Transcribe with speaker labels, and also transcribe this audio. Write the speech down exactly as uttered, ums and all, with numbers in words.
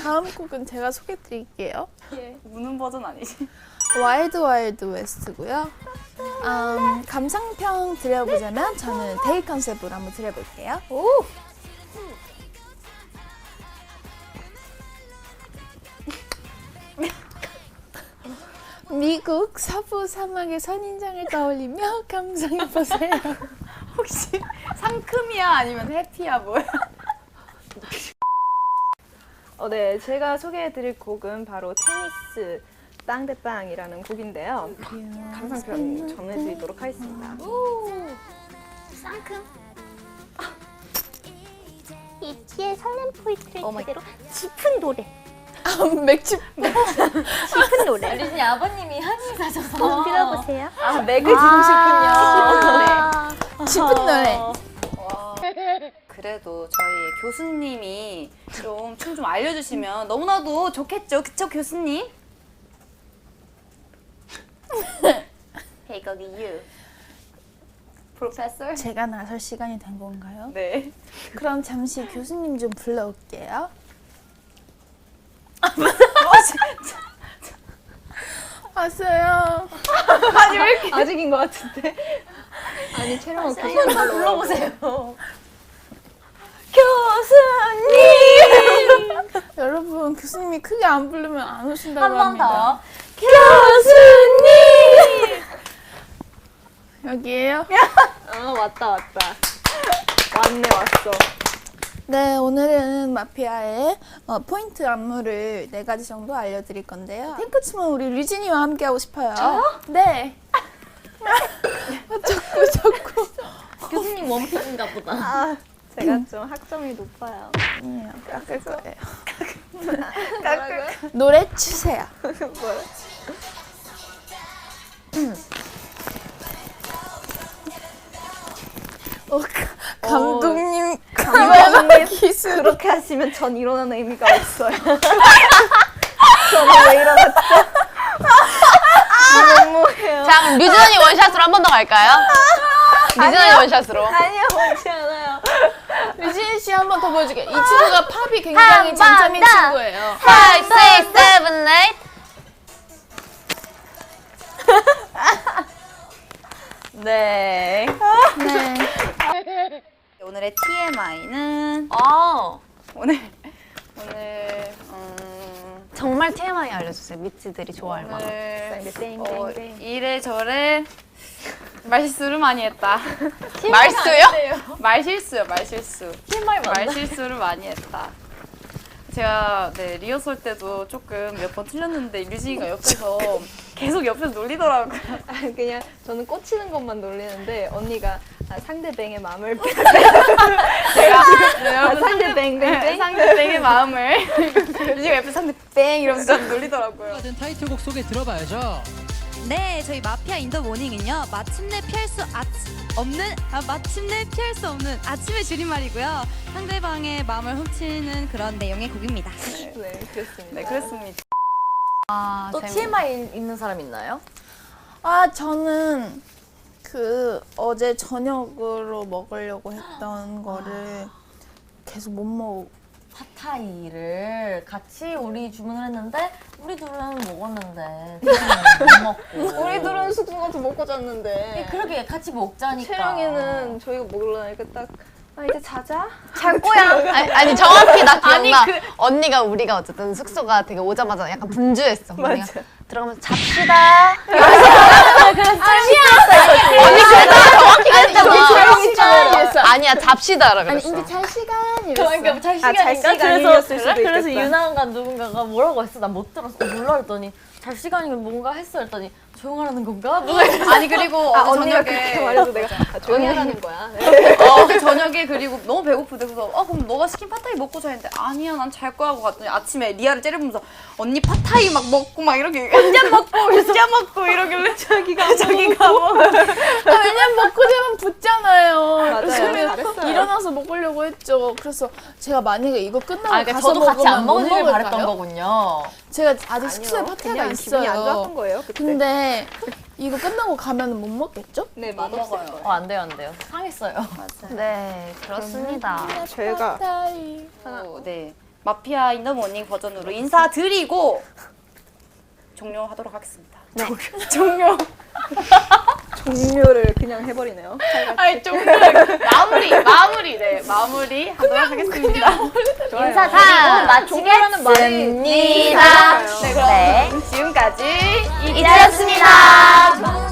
Speaker 1: 다음 곡은 제가 소개해드릴게요.
Speaker 2: 예. 우는 버전 아니지?
Speaker 1: 와일드 와일드 웨스트고요. 음, 감상평 드려보자면 저는 데이 컨셉으로 한번 드려볼게요.
Speaker 2: 오!
Speaker 1: 미국 서부 사막의 선인장을 떠올리며 감상해보세요.
Speaker 2: 혹시 상큼이야 아니면 해피야 뭐야? 어, 네, 제가 소개해드릴 곡은 바로 테니스 빵대빵이라는 곡인데요. 감상평 전해드리도록 하겠습니다.
Speaker 3: 오, 쌍큼. 이치의 설렘 포인트를
Speaker 2: 오 마이
Speaker 3: 그대로 짚은 노래.
Speaker 1: 아, 맥주
Speaker 3: 짚은 노래.
Speaker 4: 리진이 아버님이 한이 사셔서
Speaker 3: 꼭 들어보세요.
Speaker 2: 아, 맥을 짚으시군요.
Speaker 3: 아,
Speaker 1: 짚은 노래.
Speaker 2: 와. 그래도 저희 교수님이 좀 춤 좀 알려주시면 너무나도 좋겠죠, 그쵸 교수님? Hey, 거기 you. 프로페서?
Speaker 1: 제가 나설 시간이 된 건가요?
Speaker 2: 네.
Speaker 1: 그럼 잠시 교수님 좀 불러올게요. 왔어요.
Speaker 2: 아니 왜 이렇게 아직인 것 같은데?
Speaker 4: 아니 촬영은 교수님 불러보세요.
Speaker 2: 교수님!
Speaker 1: 여러분 교수님이 크게 안 부르면 안 오신다고
Speaker 4: 한 번
Speaker 1: 합니다.
Speaker 4: 더.
Speaker 2: 교수님!
Speaker 1: 여기에요?
Speaker 2: 아 왔다 왔다. 왔네 왔어.
Speaker 1: 네, 오늘은 마피아의 어, 포인트 안무를 네 가지 정도 알려드릴 건데요. 탱크춤은 우리 류진이와 함께 하고 싶어요. 저요? 네. 자꾸 자꾸.
Speaker 4: 교수님 원픽인가 보다.
Speaker 2: 아 제가 좀 학점이 높아요.
Speaker 1: 아니에요, 깎을 거예요.
Speaker 2: 깎을
Speaker 1: 노래 주세요.
Speaker 2: 뭐야?
Speaker 1: 어, 가- 감독님,
Speaker 2: 감독님
Speaker 1: 기술.
Speaker 2: 그렇게 하시면 전 일어나는 의미가 없어요. 저는 왜 일어났죠? 너무해요.
Speaker 4: 자, 그럼 류진 언니 원샷으로 한 번 더 갈까요? 류진 언니 원샷으로.
Speaker 2: 아니요, 그렇지 않아요.
Speaker 1: 류진 씨 한 번 더 보여줄게. 이 친구가 팝이 굉장히 장점인 친구예요.
Speaker 4: five, six, seven, eight.
Speaker 2: 네.
Speaker 1: 네.
Speaker 2: 오늘의 티엠아이는
Speaker 4: 아,
Speaker 2: 오늘 오늘 음,
Speaker 4: 정말 티엠아이 알려주세요. 미치들이 좋아할 만한.
Speaker 2: 오늘 어, 이래저래 말실수를 많이 했다.
Speaker 4: 말수요?
Speaker 2: 말실수요, 말실수.
Speaker 4: 티엠아이 맞나?
Speaker 2: 말실수를 많이 했다. 제가 네 리허설 때도 조금 몇 번 틀렸는데 류진이가 옆에서 계속 옆에서 놀리더라고요.
Speaker 5: 그냥 저는 꽂히는 것만 놀리는데 언니가 아, 상대방의 마음을
Speaker 2: 제가 네,
Speaker 5: 아,
Speaker 2: 여러분
Speaker 5: 상대 뱅뱅뱅
Speaker 2: 상대방의 마음을 류진이가 옆에서 상대 뱅 이러면서 놀리더라고요.
Speaker 6: 된 타이틀곡 소개 들어봐야죠.
Speaker 7: 네, 저희 마피아 인더 모닝은요. 마침내 피할 수 아, 없는 아, 마침내 피할 수 없는 아침의 줄임말이고요. 상대방의 마음을 훔치는 그런 내용의 곡입니다.
Speaker 5: 네, 그렇습니다.
Speaker 2: 네, 그렇습니다.
Speaker 4: 아, 또 티엠아이 있는 사람 있나요?
Speaker 1: 아, 저는 그 어제 저녁으로 먹으려고 했던 거를 계속 못 먹.
Speaker 4: 팟타이를 같이 우리 주문을 했는데 우리 둘은 먹었는데 못 먹고.
Speaker 5: 우리 둘은 숙소 가서 먹고 잤는데
Speaker 4: 그러게 같이 먹자니까.
Speaker 5: 채영이는 저희가 먹으려니까 딱 아, 이제 자자?
Speaker 4: 잘 거야. 아니, 아니 정확히 나 기억나. 언니가 우리가 어쨌든 숙소가 되게 오자마자 약간 분주했어. 언니가 들어가면서 잡시다. 잡시다. 언니 그랬잖아. 정확히 그랬잖아. 아니야 잡시다라 그랬어.
Speaker 1: 아니, 이제 잘 시간 이랬어.
Speaker 4: 그러니까 뭐잘
Speaker 2: 아, 잘 시간이었을 수도 있겠다.
Speaker 4: 그래서 유나가 누군가가 뭐라고 했어. 난 못 들었어. 몰라 했더니 잘 시간이면 뭔가 했어 했더니 조용하라는 건가? 뭐가
Speaker 2: 아니 그리고
Speaker 5: 아,
Speaker 2: 어제
Speaker 5: 언니가
Speaker 2: 저녁에
Speaker 5: 그렇게 말해서 내가 아, 조용히 하라는 거야. 네.
Speaker 2: 어, 그 저녁에 그리고 너무 배고프대. 그래서 어 그럼 너가 시킨 팟타이 먹고 자야 했는데 아니야 난 잘 거야 하고 갔더니 아침에 리아를 째려보면서 언니 팟타이 막 먹고 막 이렇게 혼자 먹고 혼자 먹고 이러길래 자기가 자기가 먹어.
Speaker 1: 아, 왜냐면 먹고 자면 붓잖아요.
Speaker 5: 맞아요.
Speaker 1: 그래서
Speaker 5: 잘했어요.
Speaker 1: 일어나서 먹으려고 했죠. 그래서 제가 만약에 이거 끝나고
Speaker 4: 아, 그러니까
Speaker 1: 가서
Speaker 4: 저도 같이
Speaker 1: 먹으면
Speaker 4: 안
Speaker 1: 못
Speaker 4: 먹으길
Speaker 1: 먹을까요?
Speaker 4: 바랬던 거군요.
Speaker 1: 제가 아직 숙소에 파티가
Speaker 5: 그냥 기분이 안 좋았던
Speaker 1: 있어요.
Speaker 5: 거예요. 그때.
Speaker 1: 근데 이거 끝나고 가면 못 먹겠죠?
Speaker 5: 네,
Speaker 2: 못
Speaker 5: 맛없을
Speaker 2: 먹어요.
Speaker 5: 거예요.
Speaker 4: 어, 안 돼요, 안 돼요. 상했어요. 네, 그렇습니다.
Speaker 5: 저희가
Speaker 1: 파타이.
Speaker 2: 또, 네 마피아 인 더 모닝 버전으로 인사드리고 종료하도록 하겠습니다.
Speaker 3: 네.
Speaker 2: 종료.
Speaker 5: 종료를 그냥 해버리네요.
Speaker 2: 아니 종료를 마무리 마무리 네 마무리 하도록 하겠습니다.
Speaker 3: 인사드리고
Speaker 5: 종료라는 말이
Speaker 3: 마치겠습니다.
Speaker 2: 네 그럼
Speaker 3: 네.
Speaker 2: 지금까지
Speaker 3: 이자였습니다.